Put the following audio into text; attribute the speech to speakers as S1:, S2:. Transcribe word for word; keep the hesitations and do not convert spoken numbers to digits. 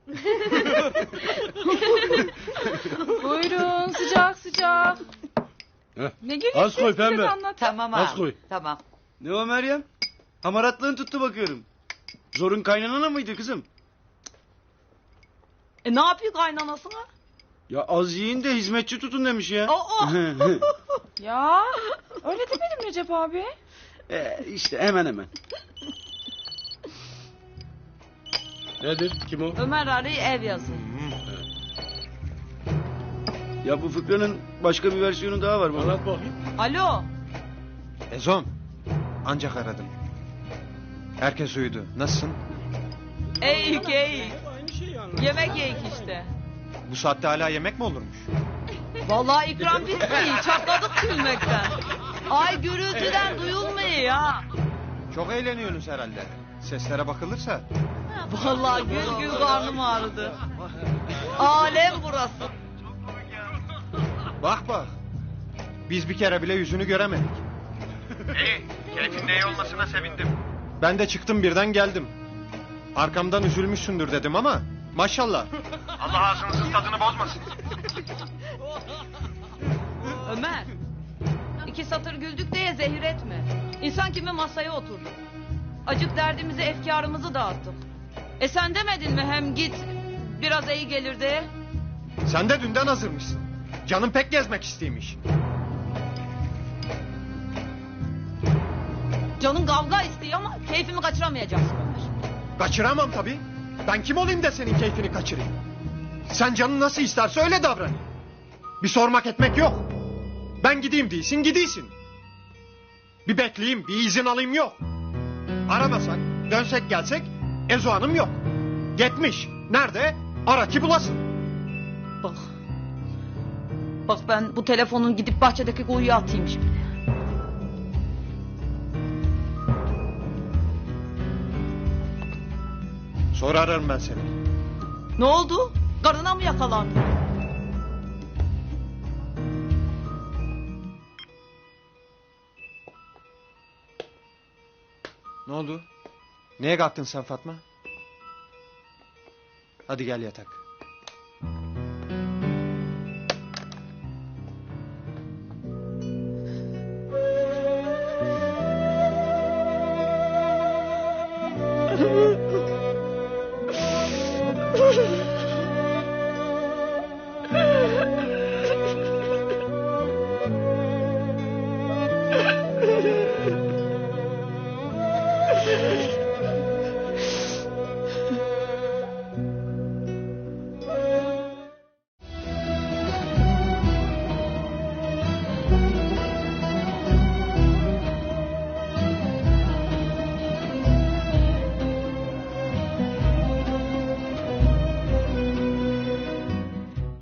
S1: Buyurun sıcak sıcak.
S2: Heh.
S1: Ne gülüyorsun?
S2: Az koy pembe.
S3: Tamam
S2: Az
S3: abi.
S2: koy.
S3: Tamam.
S4: Ne o Meryem? Hamaratlığın tuttu bakıyorum. Zorun kaynanana mıydı kızım?
S3: E ne yapıyor kaynanasına?
S4: Ya az yiyin de hizmetçi tutun demiş ya.
S3: Aa!
S1: Ya öyle demedim Recep abi.
S4: e, işte hemen hemen.
S2: Nedir? Kim o?
S3: Ömer arayı ev yazıyor.
S4: Ya bu fıkranın başka bir versiyonu daha var baba.
S2: Anlat bakayım.
S3: Alo.
S5: Ezom. Ancak aradım. Herkes uyudu. Nasılsın?
S3: Eğik eğik.
S2: Aynı şeyi anlat.
S3: Yemek yiyik işte.
S5: Bu saatte hala yemek mi olurmuş?
S3: Vallahi ikram bitmiyor. Çatladık gülmekten. Ay gürültüden duyulmuyor ya.
S5: Çok eğleniyorsunuz herhalde. Seslere bakılırsa.
S3: Vallahi gül gül karnım ağrıdı. Alem burası.
S5: Bak bak. Biz bir kere bile yüzünü göremedik.
S6: İyi, keyfinde iyi olmasına sevindim.
S5: Ben de çıktım birden geldim. Arkamdan üzülmüşsündür dedim ama maşallah.
S6: Allah ağzınızın tadını bozmasın.
S3: Ömer. İki satır güldük diye zehir etme. İnsan kimi masaya oturdu. Acık derdimizi, efkarımızı dağıttık. E sen demedin mi hem git biraz iyi gelir diye?
S5: Sen de dünden hazırmışsın. Canım pek gezmek isteymiş.
S3: Canın kavga istiyor ama keyfimi kaçıramayacaksın Ömer.
S5: Kaçıramam tabii. Ben kim olayım da senin keyfini kaçırayım? Sen canın nasıl isterse öyle davran. Bir sormak etmek yok. Ben gideyim değilsin, gidiysin. Bir bekleyeyim, bir izin alayım yok. Aramasak, dönsek gelsek, Ezo Hanım yok. Gitmiş. Nerede? Ara ki bulasın.
S3: Bak. Bak ben bu telefonun gidip bahçedeki kuyuya atayım şimdi.
S5: Sonra ararım ben seni.
S3: Ne oldu? Karına mı yakalandın?
S5: Ne oldu? Neye kalktın sen Fatma? Hadi gel yatak.